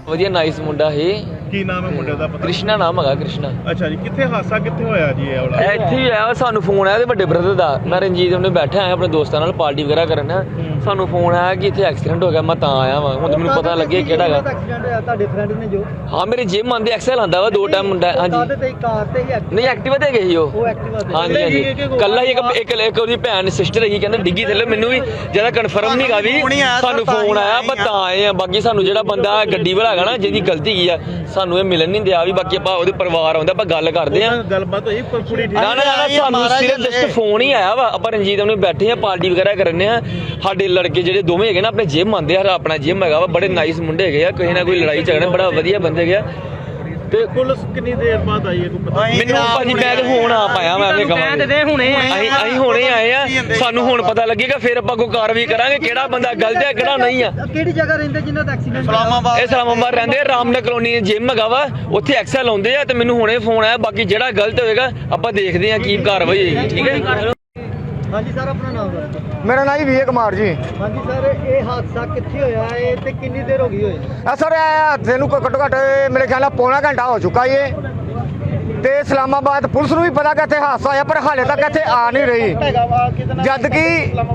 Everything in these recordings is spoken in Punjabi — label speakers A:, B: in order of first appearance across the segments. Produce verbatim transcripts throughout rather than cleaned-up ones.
A: ਵਧੀਆ ਨਾਈਸ ਮੁੰਡਾ ਹੈ।
B: ਕੀ ਨਾਮ ਹੈ ਮੁੰਡੇ ਦਾ? ਪਤਾ
A: ਕ੍ਰਿਸ਼ਨਾ ਨਾਮ ਹੈਗਾ, ਕ੍ਰਿਸ਼ਨਾ।
B: ਅੱਛਾ ਜੀ, ਕਿੱਥੇ ਹਾਦਸਾ ਕਿੱਥੇ ਹੋਇਆ ਜੀ ਇਹ ਵਾਲਾ?
A: ਇੱਥੇ ਹੀ ਆਇਆ, ਸਾਨੂੰ ਫੋਨ ਆਇਆ ਤੇ ਵੱਡੇ ਬ੍ਰਦਰ ਦਾ। ਮੈਂ ਰਣਜੀਤ ਉਹਨੇ ਬੈਠਾ ਆਇਆ ਆਪਣੇ ਦੋਸਤਾਂ ਨਾਲ ਪਾਰਟੀ ਵਗੈਰਾ ਕਰਨ। ਸਾਨੂੰ ਫੋਨ ਆਇਆ ਕਿ ਇੱਥੇ ਐਕਸੀਡੈਂਟ ਹੋ ਗਿਆ। ਮੈਂ ਤਾਂ ਆਇਆ ਵਾਂ, ਹੁਣ ਮੈਨੂੰ ਪਤਾ ਲੱਗਿਆ ਕਿਹੜਾ ਹੈਗਾ।
C: ਐਕਸੀਡੈਂਟ ਹੋਇਆ ਤੁਹਾਡੇ ਫਰੈਂਡ ਨੇ ਜੋ?
A: ਹਾਂ, ਮੇਰੇ ਜਿਮ ਆਂਦੇ ਐਕਸਲ ਆਂਦਾ ਵਾ ਦੋ ਟਾਈਮ ਮੁੰਡਾ। ਹਾਂਜੀ
C: ਤੇ ਕਾਰ ਤੇ ਹੀ
A: ਨਹੀਂ, ਐਕਟਿਵਾ ਤੇ ਗਏ ਸੀ ਉਹ।
C: ਉਹ ਐਕਟਿਵਾ ਤੇ?
A: ਹਾਂਜੀ ਹਾਂਜੀ, ਕੱਲਾ ਹੀ ਇੱਕ ਇੱਕ ਉਹਦੀ ਭੈਣ ਸਿਸਟਰ ਹੈਗੀ, ਕਹਿੰਦੇ ਡਿੱਗੀ ਥੱਲੇ। ਮੈਨੂੰ ਵੀ ਜਿਆਦਾ ਕਨਫਰਮ ਨਹੀਂ ਗਾ ਵੀ ਸਾਨੂੰ ਫੋਨ ਆਇਆ, ਪਰ ਤਾਂ ਆਏ ਆ। ਬਾਕੀ ਸਾਨੂੰ ਜਿਹੜਾ ਬੰਦਾ ਗੱਡੀ ਵਾਲਾ ਹੈਗਾ ਨਾ, ਜਿਹਦੀ ਗਲਤੀ ਕੀ ਆ, ਸਾਨੂੰ ਇਹ ਮਿਲਣ ਨਹੀਂ ਦਿਆ ਵੀ। ਬਾਕੀ ਆਪਾਂ ਉਹਦੇ ਪਰਿਵਾਰ ਆਉਂਦਾ, ਆਪਾਂ ਗੱਲ ਕਰਦੇ ਆ।
B: ਗੱਲਬਾਤ ਹੋਈ ਕੁੜੀ?
A: ਨਾ ਨਾ ਨਾ, ਸਾਨੂੰ ਸਿਰਫ ਜਸਟ ਫੋਨ ਹੀ ਆਇਆ ਵਾ। ਆਪਾਂ ਰਣਜੀਤ ਉਹਨੇ ਬੈਠੇ ਆ, ਪਾਰਟੀ ਵਗੈਰਾ ਕਰਨੇ ਆ। ਸਾਡੇ ਲੜਕੇ ਜਿਹੜੇ ਦੋਵੇਂ ਹੈਗੇ ਨਾ, ਆਪਣੇ ਜਿਮ ਆਉਂਦੇ ਆ, ਆਪਣਾ ਜਿਮ ਹੈਗਾ ਵਾ। ਬੜੇ ਨਾਈਸ ਮੁੰਡੇ ਹੈਗੇ ਆ, ਕਿਸੇ ਨਾ ਕੋਈ ਲੜਾਈ ਝਗੜਾ, ਬੜਾ ਵਧੀਆ ਬੰਦੇ ਹੈਗੇ ਆ। ਤੇ
B: ਪੁਲਿਸ ਕਿੰਨੀ ਦੇਰ ਬਾਅਦ ਆਈ ਹੈ ਕੋਈ ਪਤਾ?
A: ਮੈਨੂੰ ਭਾਜੀ ਮੈਂ ਤੇ ਹੁਣ ਆ ਪਾਇਆ, ਮੈਂ ਇਹ ਕਹਾਂ ਹੁਣੇ ਅਸੀਂ ਅਸੀਂ ਹੁਣੇ ਆਏ ਆ। ਸਾਨੂੰ ਹੁਣ ਪਤਾ ਲੱਗੇਗਾ, ਫਿਰ ਆਪਾਂ ਕੋਈ ਕਾਰਵਾਈ ਕਰਾਂਗੇ, ਕਿਹੜਾ ਬੰਦਾ ਗਲਤ ਹੈ ਕਿਹੜਾ ਨਹੀਂ ਆ।
C: ਕਿਹੜੀ ਜਗ੍ਹਾ ਰਹਿੰਦੇ ਜਿਨ੍ਹਾਂ ਦਾ ਐਕਸੀਡੈਂਟ?
A: ਇਸਲਾਮਾਬਾਦ। ਇਹ ਇਸਲਾਮਾਬਾਦ ਰਹਿੰਦੇ ਆ, ਰਾਮਨਗਰ ਕਲੋਨੀ ਜਿਮ ਹੈਗਾ ਵਾ, ਉੱਥੇ ਐਕਸਲ ਆਉਂਦੇ ਆ। ਤੇ ਮੈਨੂੰ ਹੁਣੇ ਫੋਨ ਆਇਆ। ਬਾਕੀ ਜਿਹੜਾ ਗਲਤ ਹੋਏਗਾ ਆਪਾਂ ਦੇਖਦੇ ਆ ਕੀ ਕਾਰਵਾਈ ਹੋਏਗੀ। ਠੀਕ ਹੈ।
C: ਹਾਂਜੀ ਸਰ, ਆਪਣਾ ਨਾਮ ਦੱਸੋ।
D: ਮੇਰਾ ਨਾਮ ਜੀ ਵਿਜੇ ਕੁਮਾਰ ਜੀ।
C: ਹਾਂਜੀ ਸਰ, ਇਹ ਹਾਦਸਾ ਕਿੱਥੇ ਹੋਇਆ ਹੈ ਤੇ ਕਿੰਨੀ ਦੇਰ ਹੋ ਗਈ ਹੋਏ?
D: ਆ ਸਰ, ਇਹ ਹਾਦਸੇ ਨੂੰ ਘੱਟੋ ਘੱਟ ਮੇਰੇ ਖਿਆਲ ਨਾਲ ਪੌਣਾ ਘੰਟਾ ਹੋ ਚੁੱਕਾ ਏ। ਤੇ ਇਸਲਾਮਾਬਾਦ ਪੁਲਿਸ ਨੂੰ ਵੀ ਪਤਾ ਕਿ ਇੱਥੇ ਹਾਦਸਾ ਹੋਇਆ, ਪਰ ਹਾਲੇ ਤੱਕ ਇੱਥੇ ਆ ਨਹੀਂ ਰਹੀ। ਜਦ ਕਿ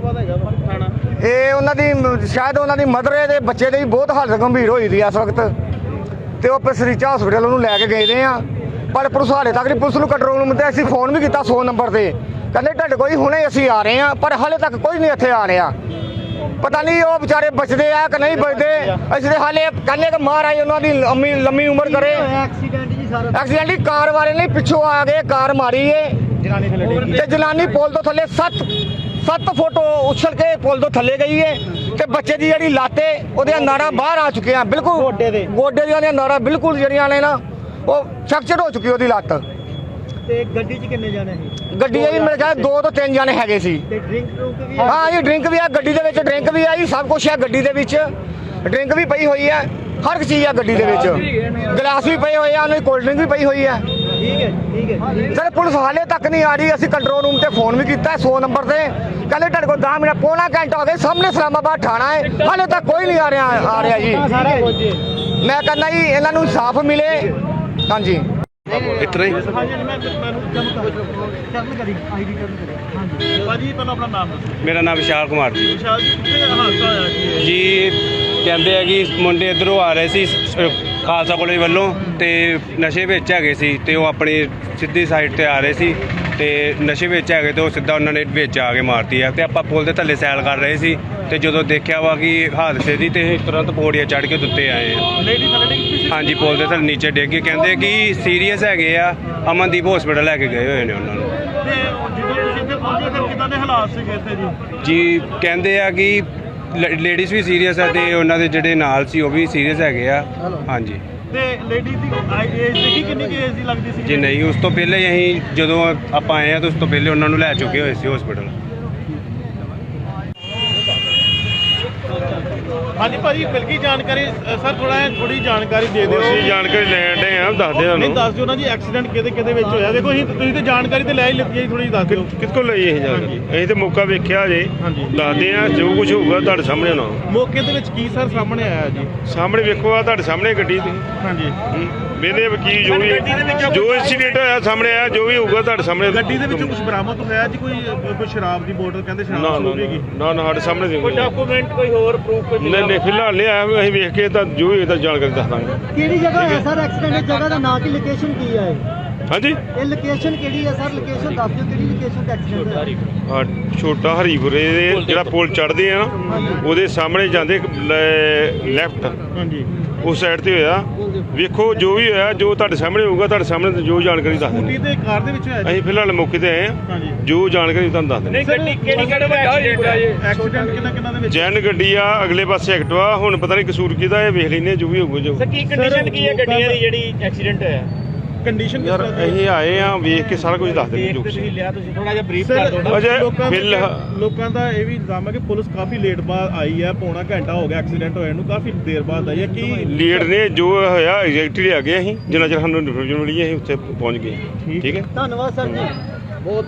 D: ਇਹ ਉਹਨਾਂ ਦੀ ਸ਼ਾਇਦ ਉਹਨਾਂ ਦੀ ਮਦਰ ਦੇ ਬੱਚੇ ਦੀ ਵੀ ਬਹੁਤ ਹਾਲਤ ਗੰਭੀਰ ਹੋਈ ਦੀ ਇਸ ਵਕਤ। ਤੇ ਉਹ ਪਸਰੀਚਾ ਹਸਪੀਟਲ ਉਹਨੂੰ ਲੈ ਕੇ ਗਏ ਦੇ ਆ, ਪਰ ਪੁਲਿਸ ਹਾਲੇ ਤੱਕ ਨਹੀਂ। ਪੁਲਿਸ ਨੂੰ ਕੰਟਰੋਲ ਰੂਮ ਤੇ ਅਸੀਂ ਫੋਨ ਵੀ ਕੀਤਾ ਸੌ ਨੰਬਰ ਤੇ, ਕਹਿੰਦੇ ਤੁਹਾਡੇ ਕੋਈ ਹੁਣੇ ਅਸੀਂ ਆ ਰਹੇ ਹਾਂ, ਪਰ ਹਾਲੇ ਤੱਕ ਕੋਈ ਨਹੀਂ ਇੱਥੇ ਆ ਰਿਹਾ। ਪਤਾ ਨਹੀਂ ਉਹ ਵਿਚਾਰੇ ਬਚਦੇ ਆ ਕਿ ਨਹੀਂ ਬਚਦੇ। ਅਸੀਂ ਤੇ ਹਾਲੇ ਕਹਿੰਦੇ ਕਿ ਮਹਾਰਾਜ ਉਹਨਾਂ ਦੀ ਲੰਮੀ ਲੰਮੀ ਉਮਰ ਕਰੇ।
C: ਐਕਸੀਡੈਂਟ ਜੀ ਸਾਰਾ?
D: ਐਕਸੀਡੈਂਟ ਹੀ ਕਾਰ ਵਾਲੇ ਨੇ ਪਿੱਛੋਂ ਆ ਗਏ, ਕਾਰ ਮਾਰੀ ਏ ਤੇ ਜਨਾਨੀ ਪੁਲ ਤੋਂ ਥੱਲੇ ਸੱਤ ਸੱਤ ਫੁੱਟ ਉਛਲ ਕੇ ਪੁਲ ਤੋਂ ਥੱਲੇ ਗਈ ਏ। ਤੇ ਬੱਚੇ ਦੀ ਜਿਹੜੀ ਲੱਤ ਏ, ਉਹਦੀਆਂ ਨਾੜਾਂ ਬਾਹਰ ਆ ਚੁੱਕੀਆਂ ਬਿਲਕੁਲ। ਗੋਡੇ ਦੇ ਗੋਡੇ ਦੀਆਂ ਨਾੜਾਂ ਬਿਲਕੁਲ ਜਿਹੜੀਆਂ ਨੇ ਨਾ, ਉਹ ਫ੍ਰੈਕਚਰ ਹੋ ਚੁੱਕੀ ਉਹਦੀ ਲੱਤ।
C: ਤੇ ਗੱਡੀ 'ਚ ਕਿੰਨੇ ਜਾਣੇ ਸੀ?
D: ਗੱਡੀ ਇਹ ਮੇਰੇ ਖਿਆਲ ਦੋ ਤੋਂ ਤਿੰਨ ਜਾਣੇ ਹੈਗੇ ਸੀ।
C: ਤੇ ਡਰਿੰਕ ਡਰੂਕ ਵੀ?
D: ਹਾਂ ਜੀ, ਡਰਿੰਕ ਵੀ ਆ ਗੱਡੀ ਦੇ ਵਿੱਚ, ਡਰਿੰਕ ਵੀ ਆਈ, ਸਭ ਕੁਝ ਆ ਗੱਡੀ ਦੇ ਵਿੱਚ। ਡਰਿੰਕ ਵੀ ਪਈ ਹੋਈ ਹੈ, ਹਰ ਇੱਕ ਚੀਜ਼ ਆ ਗੱਡੀ ਦੇ ਵਿੱਚ। ਗਲਾਸ ਵੀ ਪਏ ਹੋਏ ਆ, ਉਹਨਾਂ ਦੀ ਕੋਲਡ ਡਰਿੰਕ ਵੀ ਪਈ ਹੋਈ ਹੈ।
C: ਠੀਕ ਹੈ ਠੀਕ ਹੈ
D: ਸਰ, ਪੁਲਿਸ ਹਾਲੇ ਤੱਕ ਨਹੀਂ ਆ ਰਹੀ। ਅਸੀਂ ਕੰਟਰੋਲ ਰੂਮ ਤੇ ਫੋਨ ਵੀ ਕੀਤਾ ਸੌ ਨੰਬਰ ਤੇ, ਕਹਿੰਦੇ ਤੁਹਾਡੇ ਕੋਲ ਦਸ ਮਿੰਟ ਪੌਣਾ ਘੰਟਾ ਹੋ ਗਿਆ। ਸਾਹਮਣੇ ਇਸਲਾਮਾਬਾਦ ਥਾਣਾ ਹੈ, ਹਾਲੇ ਤੱਕ ਕੋਈ ਨਹੀਂ ਆ ਰਿਹਾ ਆ ਰਿਹਾ ਜੀ। ਮੈਂ ਕਹਿੰਦਾ ਜੀ ਇਹਨਾਂ ਨੂੰ ਇਨਸਾਫ ਮਿਲੇ। ਹਾਂਜੀ
B: ਇਤਨਾ ਹੀ। ਭਾਜੀ ਪਹਿਲਾਂ ਆਪਣਾ ਨਾਮ ਦੱਸੋ।
E: ਮੇਰਾ ਨਾਮ ਵਿਸ਼ਾਲ ਕੁਮਾਰ ਜੀ।
B: ਵਿਸ਼ਾਲ ਜੀ, ਕਿੱਥੇ ਹਾਦਸਾ ਹੋਇਆ ਜੀ?
E: ਜੀ ਕਹਿੰਦੇ ਆ ਕਿ ਮੁੰਡੇ ਇੱਧਰੋਂ ਆ ਰਹੇ ਸੀ ਖਾਲਸਾ ਕਾਲਜ ਵੱਲੋਂ, ਤੇ ਨਸ਼ੇ ਵਿੱਚ ਹੈਗੇ ਸੀ। ਤੇ ਉਹ ਆਪਣੀ ਸਿੱਧੀ ਸਾਈਡ ਤੇ ਆ ਰਹੇ ਸੀ, ਤੇ ਨਸ਼ੇ ਵਿੱਚ ਹੈਗੇ ਤੇ ਉਹ ਸਿੱਧਾ ਉਹਨਾਂ ਨੇ ਵਿੱਚ ਆ ਕੇ ਮਾਰਤੀ ਆ। ਤੇ ਆਪਾਂ ਪੁਲ ਦੇ ਥੱਲੇ ਸੈਲ ਕਰ ਰਹੇ ਸੀ, ਤੇ ਜਦੋਂ ਦੇਖਿਆ ਵਾ ਕਿ ਹਾਦਸੇ ਦੀ, ਤੇ ਤੁਰੰਤ ਪੌੜੀਆਂ ਚੜ੍ਹ ਕੇ ਉੱਤੇ ਆਏ ਆ।
B: ਲੇਡੀ ਥੱਲੇ ਡਿੱਗੀ ਸੀ?
E: ਹਾਂਜੀ, ਪੁਲ ਦੇ ਥੱਲੇ ਨੀਚੇ ਡਿੱਗ ਕੇ ਕਹਿੰਦੇ ਕਿ ਸੀਰੀਅਸ ਹੈਗੇ ਆ, ਅਮਨਦੀਪ ਹਸਪੀਟਲ ਲੈ ਕੇ ਗਏ ਹੋਏ ਨੇ ਉਹਨਾਂ ਨੂੰ।
B: ਤੇ ਜਦੋਂ ਤੁਸੀਂ ਇੱਥੇ ਪਹੁੰਚੇ ਫਿਰ ਕਿੱਦਾਂ ਦੇ ਹਾਲਾਤ ਸੀਗੇ ਇੱਥੇ ਜੀ?
E: ਜੀ ਕਹਿੰਦੇ ਆ ਕਿ ਲੇਡੀਜ਼ ਵੀ ਸੀਰੀਅਸ ਆ, ਤੇ ਉਹਨਾਂ ਦੇ ਜਿਹੜੇ ਨਾਲ ਸੀ ਉਹ ਵੀ ਸੀਰੀਅਸ ਹੈਗੇ ਆ। ਹਾਂਜੀ।
B: ਤੇ ਲੇਡੀ ਦੀ ਏਜ ਦੇਖੀ ਕਿੰਨੀ ਕੁ ਏਜ ਦੀ ਲੱਗਦੀ ਸੀ?
E: ਜੀ ਨਹੀਂ, ਉਸ ਤੋਂ ਪਹਿਲੇ ਹੀ ਅਸੀਂ ਜਦੋਂ ਆਪਾਂ ਆਏ ਆ ਤਾਂ ਉਸ ਤੋਂ ਪਹਿਲੇ ਉਹਨਾਂ ਨੂੰ ਲੈ ਚੁੱਕੇ ਹੋਏ ਸੀ ਹਸਪੀਟਲ।
B: ਹਾਂਜੀ ਭਾਜੀ, ਮਿਲ ਗਈ ਜਾਣਕਾਰੀ ਸਰ? ਥੋੜਾ ਥੋੜੀ ਜਾਣਕਾਰੀ ਦੇ ਦਿਓ।
F: ਅਸੀਂ ਜਾਣਕਾਰੀ ਲੈਣ ਦੇ ਆ, ਦੱਸ ਦੇ
B: ਨਹੀਂ
F: ਤੁਹਾਨੂੰ।
B: ਦੱਸ ਦਿਓ ਨਾ ਜੀ, ਐਕਸੀਡੈਂਟ ਕਿਹਦੇ ਕਿਹਦੇ ਵਿੱਚ ਹੋਇਆ? ਦੇਖੋ ਅਸੀਂ ਤੁਸੀਂ ਤੇ ਜਾਣਕਾਰੀ ਤੇ ਲੈ ਹੀ ਲਿੱਤੀ ਹੈ, ਥੋੜੀ ਦੱਸ ਦਿਓ।
F: ਕਿਸ ਕੋਲ ਲਈ ਇਹ ਜਾਣਕਾਰੀ? ਅਸੀਂ ਤੇ ਮੌਕਾ ਵੇਖਿਆ ਜੇ,
B: ਹਾਂਜੀ।
F: ਦੱਸਦੇ ਆ ਜੋ ਕੁਝ ਹੋਊਗਾ ਤੁਹਾਡੇ ਸਾਹਮਣੇ ਹੋਣਾ।
B: ਮੌਕੇ ਦੇ ਵਿੱਚ ਕੀ ਸਰ ਸਾਹਮਣੇ ਆਇਆ ਜੀ?
F: ਸਾਹਮਣੇ ਵੇਖੋ, ਆ ਤੁਹਾਡੇ ਸਾਹਮਣੇ ਗੱਡੀ ਦੀ।
B: ਹਾਂਜੀ।
F: ਵੇਲੇ ਵਕੀਲ ਜੋ ਵੀ ਜੋ ਇੰਸੀਡੈਂਟ ਹੋਇਆ ਸਾਹਮਣੇ ਆਇਆ, ਜੋ ਵੀ ਹੋਊਗਾ ਤੁਹਾਡੇ ਸਾਹਮਣੇ।
B: ਗੱਡੀ ਦੇ ਵਿੱਚੋਂ ਕੁਝ ਬਰਾਮਦ ਹੋਇਆ ਜੀ? ਕੋਈ ਕੋਈ ਸ਼ਰਾਬ ਦੀ ਬੋਤਲ ਕਹਿੰਦੇ
F: ਨਾ
B: ਸ਼ਰਾਬ
F: ਨਾ
B: ਹੋਵੇਗੀ?
F: ਨਾ ਨਾ, ਸਾਡੇ ਸਾਹਮਣੇ ਦੇ
B: ਕੋਈ ਡਾਕੂਮੈਂਟ ਕੋਈ ਹੋਰ ਪ੍ਰੂਫ?
F: ਨਹੀਂ ਨਹੀਂ, ਫਿਲਹਾਲ ਨਹੀਂ ਆਇਆ। ਅਸੀਂ ਵੇਖ ਕੇ ਤਾਂ ਜੋ ਵੀ ਇਹਦਾ ਜਾਣਕਾਰੀ ਦੱਸ ਦਾਂਗੇ।
C: ਕਿਹੜੀ ਜਗ੍ਹਾ ਹੈ ਸਰ ਐਕਸੀਡੈਂਟ? ਦੀ ਜਗ੍ਹਾ ਦਾ ਨਾਂ ਕੀ, ਲੋਕੇਸ਼ਨ ਕੀ ਹੈ?
F: ਹਾਂਜੀ,
C: ਇਹ ਲੋਕੇਸ਼ਨ ਕਿਹੜੀ ਹੈ ਸਰ? ਲੋਕੇਸ਼ਨ ਦੱਸ ਦਿਓ, ਕਿਹੜੀ ਲੋਕੇਸ਼ਨ ਤੇ ਐਕਸੀਡੈਂਟ ਹੋਇਆ?
F: ਆ ਛੋਟਾ ਹਰੀਪੁਰੇ ਦੇ ਜਿਹੜਾ ਪੁਲ ਚੜ੍ਹਦੇ ਆ ਨਾ, ਉਹਦੇ ਸਾਹਮਣੇ ਜਾਂਦੇ ਲੈਫਟ,
B: ਹਾਂਜੀ,
F: ਉਸ ਸਾਈਡ ਤੇ ਹੋਇਆ। ਵੇਖੋ ਜੋ ਵੀ ਹੋਇਆ, ਜੋ ਤੁਹਾਡੇ ਸਾਹਮਣੇ ਹੋਊਗਾ, ਤੁਹਾਡੇ ਸਾਹਮਣੇ ਜੋ ਜਾਣਕਾਰੀ ਦੱਸ ਦਿੰਦੇ।
B: ਸਕੂਟੀ ਤੇ ਕਾਰ ਦੇ ਵਿੱਚ ਹੋਇਆ ਜੀ?
F: ਅਸੀਂ ਫਿਲਹਾਲ ਮੌਕੇ ਤੇ ਆਏ ਹਾਂ, ਜੋ ਜਾਣਕਾਰੀ ਤੁਹਾਨੂੰ ਦੱਸ ਦਿੰਦੇ।
B: ਗੱਡੀ ਕਿਹੜੀ ਕਿਹੜੇ ਵੱਡਾ ਐਕਸੀਡੈਂਟ ਕਿੰਨਾ ਕਿੰਨਾ ਦੇ ਵਿੱਚ?
F: ਜੈਨ ਗੱਡੀ ਆ, ਅਗਲੇ ਪਾਸੇ ਐਕਟਿਵਾ। ਹੁਣ ਪਤਾ ਨਹੀਂ ਕਸੂਰ ਕਿਹਦਾ, ਇਹ ਵੇਖ ਲੈਨੇ ਜੋ ਵੀ ਹੋਊਗਾ। ਜੋ
B: ਸਰ ਕੀ ਕੰਡੀਸ਼ਨ ਕੀ ਹੈ ਗੱਡੀਆਂ ਦੀ ਜਿਹੜੀ ਐਕਸੀਡੈਂਟ ਹੋਇਆ? ਕੰਡੀਸ਼ਨ
F: ਯਾਰ ਅਸੀਂ ਆਏ ਆ, ਵੇਖ ਕੇ ਸਾਰਾ ਕੁਝ ਦੱਸ ਦਿੰਦੇ। ਜੋ
B: ਤੁਸੀਂ ਲਿਆ, ਤੁਸੀਂ ਥੋੜਾ ਜਿਹਾ ਬਰੀਫ ਕਰ ਦਿਓ।
F: ਅਜੇ
B: ਲੋਕਾਂ
F: ਫਿਲਹਾਲ
B: ਲੋਕਾਂ ਦਾ ਇਹ ਵੀ ਇਲਜ਼ਾਮ ਹੈ ਕਿ ਪੁਲਿਸ ਕਾਫੀ ਲੇਟ ਬਾਅਦ ਆਈ ਹੈ, ਪੌਣਾ ਘੰਟਾ ਹੋ ਗਿਆ ਐਕਸੀਡੈਂਟ ਹੋਏ ਨੂੰ, ਕਾਫੀ ਦੇਰ ਬਾਅਦ ਆਈ ਹੈ। ਕੀ
F: ਲੀਡ ਨੇ ਜੋ ਹੋਇਆ ਐਗਜ਼ੈਕਟਲੀ ਆ ਗਏ। ਅਸੀਂ ਜਿੰਨਾ ਚਿਰ ਸਾਨੂੰ ਇਨਫੋਰਮੇਸ਼ਨ ਮਿਲੀ ਅਸੀਂ ਉੱਥੇ ਪਹੁੰਚ ਗਏ। ਠੀਕ ਹੈ,
C: ਧੰਨਵਾਦ ਸਰ ਜੀ।